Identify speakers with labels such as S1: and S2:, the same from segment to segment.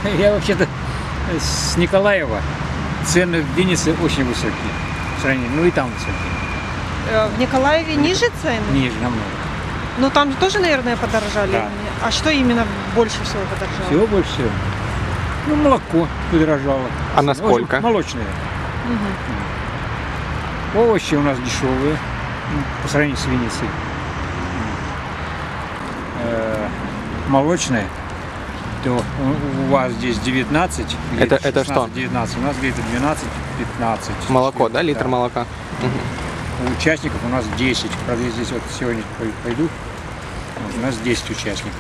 S1: Я вообще-то с Николаева. Цены в Виннице очень высокие. В сравнении, ну и там высокие.
S2: В Николаеве ниже цены?
S1: Ниже намного.
S2: Ну там тоже, наверное, подорожали.
S1: Да.
S2: А что именно больше всего подорожало?
S1: Всего больше всего. Ну, молоко подорожало.
S3: А насколько?
S1: Молочное.
S2: Мгм.
S1: Овощи у нас дешевые, ну, по сравнению с Винницей. Молочное, то у вас здесь 19,
S3: Это
S1: 16,
S3: что?
S1: 19, у нас где-то 12-15.
S3: Молоко, да? Литр молока?
S1: У участников у нас 10. Правда, я здесь вот сегодня пойду, вот, у нас 10 участников.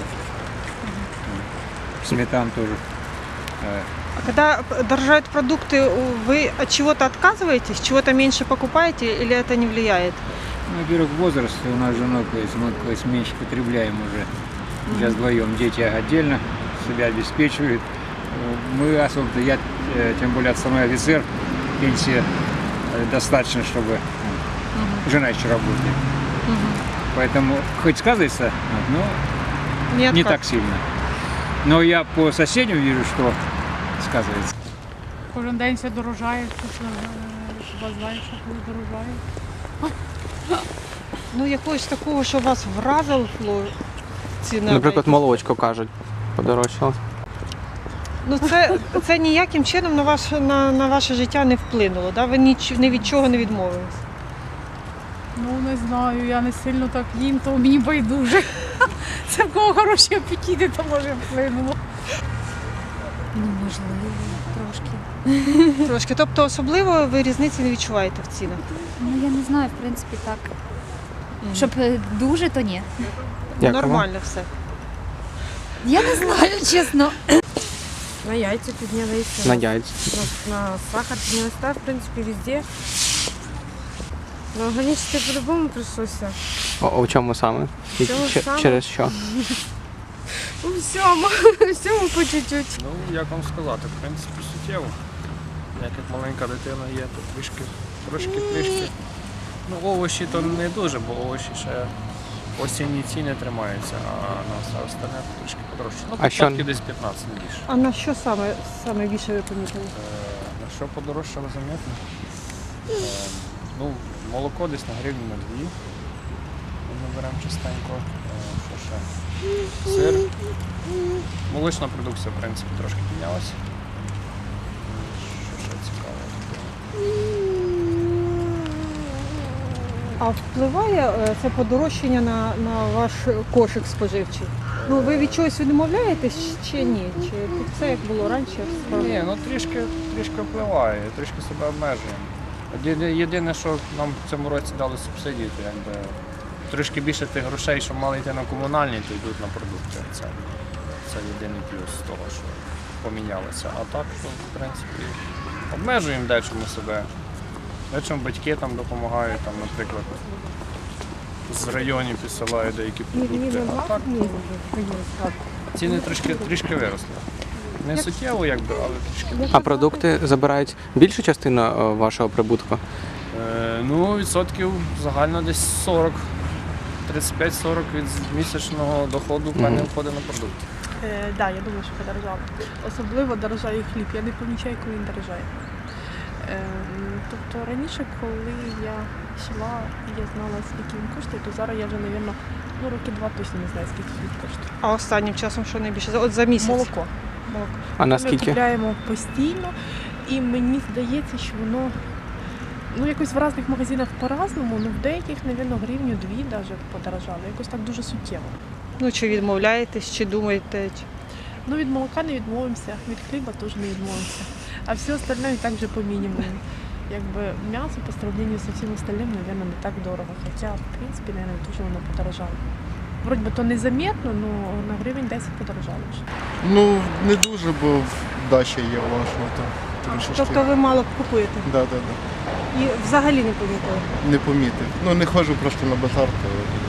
S1: Сметан тоже.
S2: А когда дорожают продукты, вы от чего-то отказываетесь, чего-то меньше покупаете или это не влияет?
S1: Ну, во-первых, возраст у нас с женой, мы меньше потребляем уже. Сейчас вдвоем, дети отдельно себя обеспечивают. Мы особо, я тем более отставной офицер, пенсия достаточно, чтобы жена еще работает. Поэтому хоть сказывается, но не так сильно. Но я по соседям вижу, что сказывается.
S4: Кожен день все дорожає, хіба знаєш, що коли дорожає.
S2: Ну якогось такого, що вас вразило ціна.
S3: Наприклад, молочко, кажуть, подорожчало.
S2: Ну це ніяким чином на ваше життя не вплинуло, да? Ви ні від чого не відмовились?
S4: Ну не знаю, я не сильно так їм, то мені байдуже. Це в кого хороші апетити, то може вплинуло.
S5: Ну, можливо, трошки.
S2: Трошки. Тобто особливо ви різниці не відчуваєте в цінах?
S5: Ну, я не знаю, в принципі, так. Щоб дуже, то ні.
S3: Дякую.
S2: Нормально все.
S5: Я не знаю, чесно.
S6: На яйца поднялись.
S3: На яйця.
S6: На сахар поднялась, да, в принципе, везде. Но органическое по-любому пришлось.
S3: У чому саме? І
S6: В чому саме?
S3: Через що?
S6: У всьому, всьому по чуть-чуть.
S7: Ну, як вам сказати, в принципі, суттєво. Як маленька дитина є, то трошки. Ну, овочі то не дуже, бо овочі ще осінні ціни тримаються, а на все остальне трішки подорожче. Ну,
S3: А що?
S7: початки десь 15, не більше.
S2: А на що саме більше ви помітили?
S7: На що подорожчало заметно? Ну, молоко десь на гривню на 2. Ми беремо частенько. Що ще? Сир. Молочна продукція, в принципі, трошки піднялася. Що ще цікаво?
S2: А впливає це подорожчання на ваш кошик споживчий? Ну, ви від чогось відмовляєтесь чи ні? Чи це як було раніше?
S7: Ні, ну трішки впливає, трішки себе обмежуємо. Єдине, що нам в цьому році дали субсидії, то якби трошки більше тих грошей, що мали йти на комунальні, то йдуть на продукти. Це єдиний плюс з того, що помінялося. А так, то, в принципі, обмежуємо дечому себе. Дечому батьки там допомагають, там, наприклад, з районів підсилають деякі продукти. А так, ціни трішки виросли. Не суттєво, якби, але трішки.
S3: А продукти забирають більшу частину вашого прибутку?
S7: Ну, відсотків загально десь 40. 35-40 від місячного доходу в мене входить на продукти.
S8: Так, я думаю, що подорожало. Особливо дорожає хліб. Я не помічаю, коли він дорожає. Тобто раніше, коли я йшла і я знала, скільки він коштує, то зараз я вже, мабуть, роки 2 точно не знаю, скільки хліб коштує.
S2: А останнім часом що найбільше? От за місяць?
S8: Молоко.
S3: А
S8: Ми
S3: наскільки?
S8: купляємо постійно, і мені здається, що воно якось в різних магазинах по-разному, але в деяких, мабуть, гривню-2 навіть подорожало. Якось так дуже суттєво.
S2: Ну, чи відмовляєтесь, чи думаєте?
S8: Ну, від молока не відмовимося, від хліба теж не відмовимося. А все остальне і так вже по мінімуму. Якби м'ясо по сравнению со всім остальним, мабуть, не так дорого. Хоча, в принципі, мабуть, дуже воно подорожало. Вроді би то незаметно, але на гривень 10 подорожало вже.
S9: Ну, не дуже, бо дача є власна, то трішечки.
S2: Тобто ви мало купуєте?
S9: Да.
S2: І взагалі не помітили?
S9: Не помітив. Ну, не ходжу просто на базар, то